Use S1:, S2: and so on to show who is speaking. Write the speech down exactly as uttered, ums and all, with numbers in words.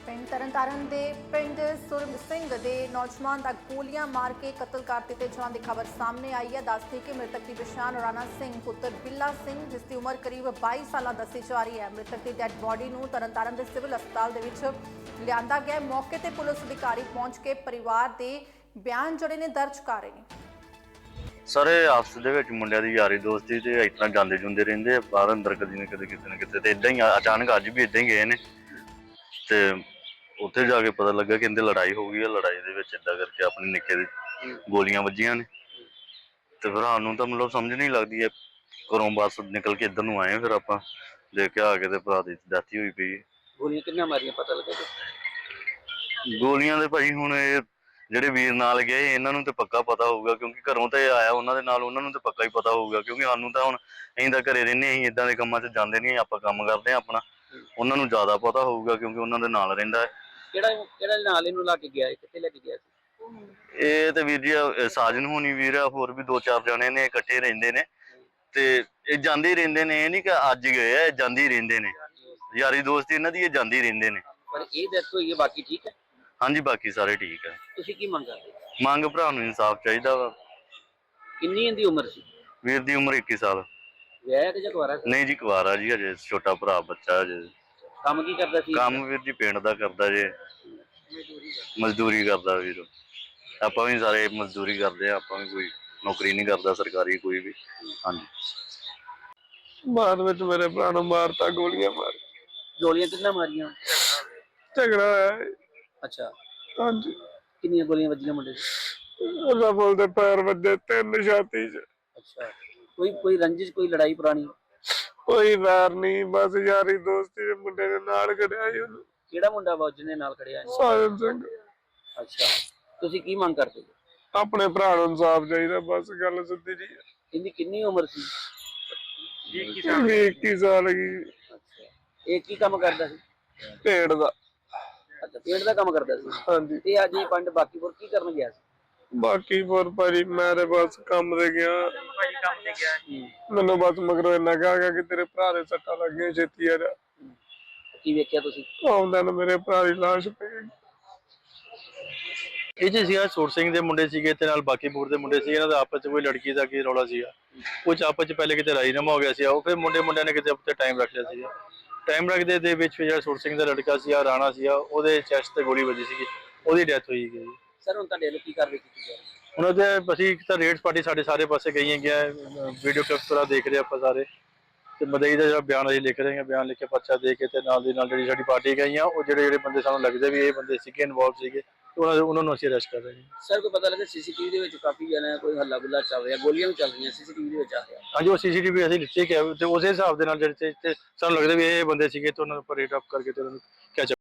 S1: ਪਿੰਡ ਤਰਨਤਾਰਨ ਦੇ ਪਿੰਡ ਸੁਰਮ ਸਿੰਘ ਦੇ ਨੌਜਵਾਨ ਦਾ ਗੋਲੀਆਂ ਮਾਰ ਕੇ ਕਤਲ ਕਰ ਦਿੱਤੇ ਜਾਣ ਦੀ ਖਬਰ ਸਾਹਮਣੇ ਆਈ ਹੈ। ਦੱਸਦੇ ਕਿ ਮ੍ਰਿਤਕ ਦੀ ਪਛਾਣ ਰਾਣਾ ਸਿੰਘ ਪੁੱਤਰ ਬਿੱਲਾ ਸਿੰਘ, ਜਿਸ ਦੀ ਉਮਰ ਕਰੀਬ ਬਾਈ ਸਾਲਾਂ ਦੱਸੀ ਜਾ ਰਹੀ ਹੈ। ਮ੍ਰਿਤਕ ਦੀ ਡੈਡ ਬੋਡੀ ਨੂੰ ਤਰਨਤਾਰਨ ਦੇ ਸਿਵਲ ਹਸਪਤਾਲ ਦੇ ਵਿੱਚ ਲਿਆਂਦਾ ਗਿਆ। ਮੌਕੇ ਤੇ ਪੁਲਿਸ ਅਧਿਕਾਰੀ ਪਹੁੰਚ ਕੇ ਪਰਿਵਾਰ ਦੇ ਬਿਆਨ ਜਿਹੜੇ ਨੇ ਦਰਜ ਕਰ ਰਹੇ ਨੇ।
S2: ਸਾਰੇ ਆਪਸ ਦੇ ਵਿੱਚ ਮੁੰਡਿਆਂ ਦੀ ਯਾਰੀ ਦੋਸਤੀ ਤੇ ਇਸ ਤਰ੍ਹਾਂ ਜਾਂਦੇ ਜੁੰਦੇ ਰਹਿੰਦੇ ਆ ਬਾਹਰ ਅੰਦਰ, ਕਦੀ ਨਾ ਕਦੇ ਕਿਤੇ ਨਾ ਕਿਤੇ। ਤੇ ਇਦਾਂ ਹੀ ਅਚਾਨਕ ਅੱਜ ਵੀ ਇਦਾਂ ਹੀ ਗਏ ਨੇ ਤੇ ਉੱਥੇ ਜਾ ਕੇ ਪਤਾ ਲੱਗਾ ਕਿ ਇਹਦੇ ਲੜਾਈ ਹੋ ਗਈ ਹੈ। ਲੜਾਈ ਦੇ ਵਿੱਚ ਇਦਾਂ ਕਰਕੇ ਆਪਣੇ ਨਿੱਕੇ ਦੇ ਗੋਲੀਆਂ ਵੱਜੀਆਂ ਨੇ ਤੇ ਫਿਰ ਸਾਨੂੰ ਤਾਂ ਮਤਲਬ ਸਮਝ ਨਹੀਂ ਲੱਗਦੀ ਹੈ। ਘਰੋਂ ਬਸ ਨਿਕਲ ਕੇ ਇੱਧਰ ਨੂੰ ਆਏ ਫਿਰ ਆਪਾਂ ਦੇਖ ਕੇ ਆ ਕੇ ਤੇ ਭਰਾ ਦੀ ਡੈਥ ਹੋਈ ਪਈ।
S3: ਗੋਲੀਆਂ ਕਿੰਨੀਆਂ ਮਾਰੀਆਂ ਪਤਾ ਲੱਗਾ?
S2: ਗੋਲੀਆਂ ਦੇ ਭਾਈ ਹੁਣ ਇਹ ਜਿਹੜੇ ਵੀਰ ਨਾਲ ਗਏ ਇਹਨਾਂ ਨੂੰ ਤੇ ਪੱਕਾ ਪਤਾ ਹੋਊਗਾ, ਕਿਉਂਕਿ ਘਰੋਂ ਤੇ ਆਇਆ ਉਹਨਾਂ ਦੇ ਨਾਲ, ਉਹਨਾਂ ਨੂੰ ਤੇ ਪੱਕਾ ਹੀ ਪਤਾ ਹੋਊਗਾ। ਕਿਉਂਕਿ ਸਾਨੂੰ ਤਾਂ ਹੁਣ ਅਸੀਂ ਤਾਂ ਘਰੇ ਰਹਿੰਦੇ, ਅਸੀਂ ਇਦਾਂ ਦੇ ਕੰਮਾਂ 'ਚ ਜਾਂਦੇ ਨਹੀਂ, ਆਪਾਂ ਕੰਮ ਕਰਦੇ ਹਾਂ ਆਪਣਾ। ਉਹਨਾਂ ਨੂੰ ਜ਼ਿਆਦਾ ਪਤਾ ਹੋਊਗਾ ਕਿਉਂਕਿ ਉਹਨਾਂ ਦੇ ਨਾਲ ਰਹਿੰਦਾ ਹੈ।
S3: ਕਿਹੜਾ ਕਿਹੜਾ ਨਾਲ ਇਹਨੂੰ ਲਾ ਕੇ ਗਿਆ, ਕਿੱਥੇ ਲੈ ਕੇ ਗਿਆ ਸੀ?
S2: ਇਹ ਤੇ ਵੀਰ ਜੀ ਸਾਜਨ ਹੋਣੀ ਵੀਰ ਆ, ਹੋਰ ਵੀ ਦੋ ਚਾਰ ਜਣੇ ਨੇ, ਇਕੱਠੇ ਰਹਿੰਦੇ ਨੇ ਤੇ ਇਹ ਜਾਂਦੇ ਹੀ ਰਹਿੰਦੇ ਨੇ। ਇਹ ਨਹੀਂ ਕਿ ਅੱਜ ਗਏ ਆ, ਇਹ ਜਾਂਦੇ ਹੀ ਰਹਿੰਦੇ ਨੇ। ਯਾਰੀ ਦੋਸਤੀ ਇਹਨਾਂ ਦੀ, ਇਹ ਜਾਂਦੇ ਹੀ ਰਹਿੰਦੇ ਨੇ।
S3: ਪਰ ਇਹ ਡੈਥ ਹੋਈ ਹੈ, ਬਾਕੀ ਠੀਕ ਹੈ?
S2: ਹਾਂਜੀ ਬਾਕੀ ਸਾਰੇ ਠੀਕ ਆ।
S3: ਤੁਸੀਂ ਕੀ ਮੰਗ ਕਰਦੇ?
S2: ਮੰਗ ਭਰਾ ਨੂੰ ਇਨਸਾਫ ਚਾਹੀਦਾ ਵਾ।
S3: ਕਿੰਨੀ ਇਹਦੀ ਉਮਰ ਸੀ?
S2: ਵੀਰ ਦੀ ਉਮਰ ਇੱਕੀ ਸਾਲ।
S3: ਵਿਆਹਿਆ ਕਿ ਜਾਂ ਕੁਆਰਾ ਸੀ?
S2: ਨਹੀਂ ਜੀ ਕੁਆਰਾ ਜੀ, ਹਜੇ ਛੋਟਾ ਭਰਾ ਬੱਚਾ ਹਜੇ।
S3: ਕੰਮ ਕੀ ਕਰਦਾ ਸੀ?
S2: ਕੰਮ ਵੀਰ ਜੀ ਪਿੰਡ ਦਾ ਕਰਦਾ ਜੇ, ਮਜ਼ਦੂਰੀ ਕਰਦਾ ਵੀਰ। ਆਪਾਂ ਵੀ ਸਾਰੇ ਮਜ਼ਦੂਰੀ ਕਰਦੇ ਆ, ਆਪਾਂ ਵੀ ਕੋਈ ਨੌਕਰੀ ਨਹੀਂ ਕਰਦਾ ਸਰਕਾਰੀ ਕੋਈ ਵੀ। ਹਾਂਜੀ
S4: ਬਾਅਦ ਵਿੱਚ ਮੇਰੇ ਭਰਾ ਨੂੰ ਮਾਰਤਾ, ਗੋਲੀਆਂ ਮਾਰ।
S3: ਗੋਲੀਆਂ ਕਿੰਨਾ ਮਾਰੀਆਂ?
S4: ਝਗੜਾ ਹੋਇਆ।
S3: ਅੱਛਾ,
S4: ਹਾਂਜੀ।
S3: ਕਿੰਨੀਆਂ ਗੋਲੀਆਂ ਵੱਜੀਆਂ ਮੁੰਡੇ ਨੂੰ?
S4: ਉਹਦਾ ਬੋਲ ਦੇ ਪੈਰ ਵੱਜੇ, ਤਿੰਨ ਛਾਤੀ 'ਚ।
S3: ਅੱਛਾ, ਕੋਈ ਕੋਈ ਰੰਜਿਸ਼, ਕੋਈ ਲੜਾਈ ਪੁਰਾਣੀ?
S4: ਕੋਈ ਵੈਰ ਨਹੀਂ, ਬਸ ਯਾਰੀ ਦੋਸਤੀ ਦੇ ਮੁੰਡੇ ਦੇ ਨਾਲ ਖੜਿਆ ਸੀ ਉਹਨੂੰ।
S3: ਕਿਹੜਾ ਮੁੰਡਾ ਵਾ ਜਿਹਨੇ ਨਾਲ ਖੜਿਆ?
S4: ਸਾਜਨ ਸਿੰਘ।
S3: ਅੱਛਾ, ਤੁਸੀਂ ਕੀ ਮੰਗ ਕਰਦੇ?
S4: ਆਪਣੇ ਭਰਾ ਨੂੰ ਇਨਸਾਫ ਚਾਹੀਦਾ, ਬਸ ਗੱਲ ਸਿੱਧੀ ਜੀ।
S3: ਇਹਦੀ ਕਿੰਨੀ ਉਮਰ ਸੀ?
S4: ਵੀਹ ਇੱਕੀ ਸਾਲ ਗਈ।
S3: ਅੱਛਾ, ਇਹ ਕੀ ਕੰਮ ਕਰਦਾ ਸੀ?
S4: ਢੇੜ ਦਾ।
S3: ਅੱਛਾ, ਪੇਂਟ ਦਾ ਕੰਮ ਕਰਦਾ ਸੀ।
S4: ਹਾਂਜੀ।
S3: ਤੇ ਅੱਜ ਇਹ ਪਿੰਡ ਬਾਕੀਪੁਰ ਕੀ ਕਰਨ ਗਿਆ ਸੀ?
S4: ਬਾਕੀ ਹੋਰ ਭਾਜੀ ਮੈਂ ਤੇ ਬਸ ਕੰਮ ਤੇ ਗਿਆ।
S3: ਕੰਮ ਤੇ ਗਿਆ।
S4: ਮੈਨੂੰ ਬਸ ਮਗਰੋਂ ਇੰਨਾ ਕਿਹਾ ਗਿਆ ਕਿ ਤੇਰੇ ਭਰਾ ਦੇ ਸੱਟਾਂ ਲੱਗੀਆਂ, ਛੇਤੀ ਆ ਜਾ।
S3: ਕੀ ਵੇਖਿਆ ਤੁਸੀਂ?
S4: ਆਉਂਦਾ ਨਾ ਮੇਰੇ ਭਰਾ ਦੀ ਲਾਸ਼ ਪਈ।
S5: ਇਹ ਜੀ ਸੀਗਾ ਸੂਰ ਸਿੰਘ ਦੇ ਮੁੰਡੇ ਸੀਗੇ ਤੇ ਨਾਲ ਬਾਕੀਪੁਰ ਦੇ ਮੁੰਡੇ ਸੀਗੇ। ਇਹਨਾਂ ਦਾ ਆਪਸ 'ਚ ਕੋਈ ਲੜਕੀ ਦਾ ਕੀ ਰੌਲਾ ਸੀਗਾ, ਕੁਝ ਆਪਸ 'ਚ ਪਹਿਲੇ ਕਿਤੇ ਰਾਜੀਨਾਮਾ ਹੋ ਗਿਆ ਸੀ। ਉਹ ਫਿਰ ਮੁੰਡੇ ਮੁੰਡਿਆਂ ਨੇ ਕਿਤੇ ਉੱਤੇ ਟਾਈਮ ਰੱਖ ਲਿਆ ਸੀਗਾ। ਟਾਈਮ ਰੱਖਦੇ ਦੇ ਵਿੱਚ ਜਿਹੜਾ ਸੂਰ ਸਿੰਘ ਦਾ ਲੜਕਾ ਸੀਗਾ ਰਾਣਾ ਸੀਗਾ, ਉਹਦੇ ਚੈਸਟ ਤੇ ਗੋਲੀ ਵੱਜੀ ਸੀਗੀ, ਉਹਦੀ ਡੈਥ ਹੋਈ ਗਈ।
S3: ਸਰ ਹੁਣ ਤੁਹਾਡੇ ਵੱਲੋਂ ਕੀ ਕਾਰਵਾਈ ਕੀਤੀ ਜਾ ਰਹੀ ਹੈ?
S5: ਉਹਨਾਂ ਦੇ ਅਸੀਂ ਇੱਕ ਤਾਂ ਰੇਡਸ ਪਾਰਟੀ ਸਾਡੇ ਸਾਰੇ ਪਾਸੇ ਗਈਆਂ ਗਿਆ, ਵੀਡੀਓ ਕਲਿੱਪ ਪੂਰਾ ਦੇਖ ਰਹੇ ਆਪਾਂ ਸਾਰੇ, ਤੇ ਮਦਈ ਦਾ ਜਿਹੜਾ ਬਿਆਨ ਅਸੀਂ ਲਿਖ ਰਹੇ ਹਾਂ, ਬਿਆਨ ਲਿਖ ਕੇ ਪਰਚਾ ਦੇ ਕੇ ਤੇ ਨਾਲ ਦੀ ਨਾਲ ਜਿਹੜੀ ਸਾਡੀ ਪਾਰਟੀ ਗਈਆਂ, ਉਹ ਜਿਹੜੇ ਜਿਹੜੇ ਬੰਦੇ ਸਾਨੂੰ ਲੱਗਦੇ ਵੀ ਇਹ ਬੰਦੇ ਸੀਗੇ ਇਨਵੋਲਵ ਸੀਗੇ, ਉਹਨਾਂ ਉਹਨਾਂ ਨੂੰ ਅਸੀਂ ਅਰੈਸਟ ਕਰ ਰਹੇ ਹਾਂ।
S3: ਸਰ ਕੋਈ ਪਤਾ ਲੱਗਾ ਸੀਸੀਟੀਵੀ ਦੇ ਵਿੱਚ ਕਾਫੀ ਜਣਾ ਕੋਈ ਹੱਲਾ ਗੁੱਲਾ ਚੱਲ ਰਿਹਾ, ਗੋਲੀਆਂ ਵੀ ਚੱਲ ਰਹੀਆਂ, ਸੀਸੀਟੀਵੀ ਦੇ ਵਿੱਚ ਆ ਰਿਹਾ?
S5: ਹਾਂਜੀ, ਉਹ ਸੀਸੀਟੀਵੀ ਅਸੀਂ ਲਿੱਤੇ ਕਿ ਤੇ ਉਸੇ ਹਿਸਾਬ ਦੇ ਨਾਲ ਜਿਹੜੇ ਸਾਨੂੰ ਲੱਗਦਾ ਵੀ ਇਹ ਬੰਦੇ ਸੀਗੇ ਤੇ ਉਹਨਾਂ ਨੂੰ ਰੇਟ ਅਪ ਕਰਕੇ ਤੇ ਉਹਨਾਂ ਨੂੰ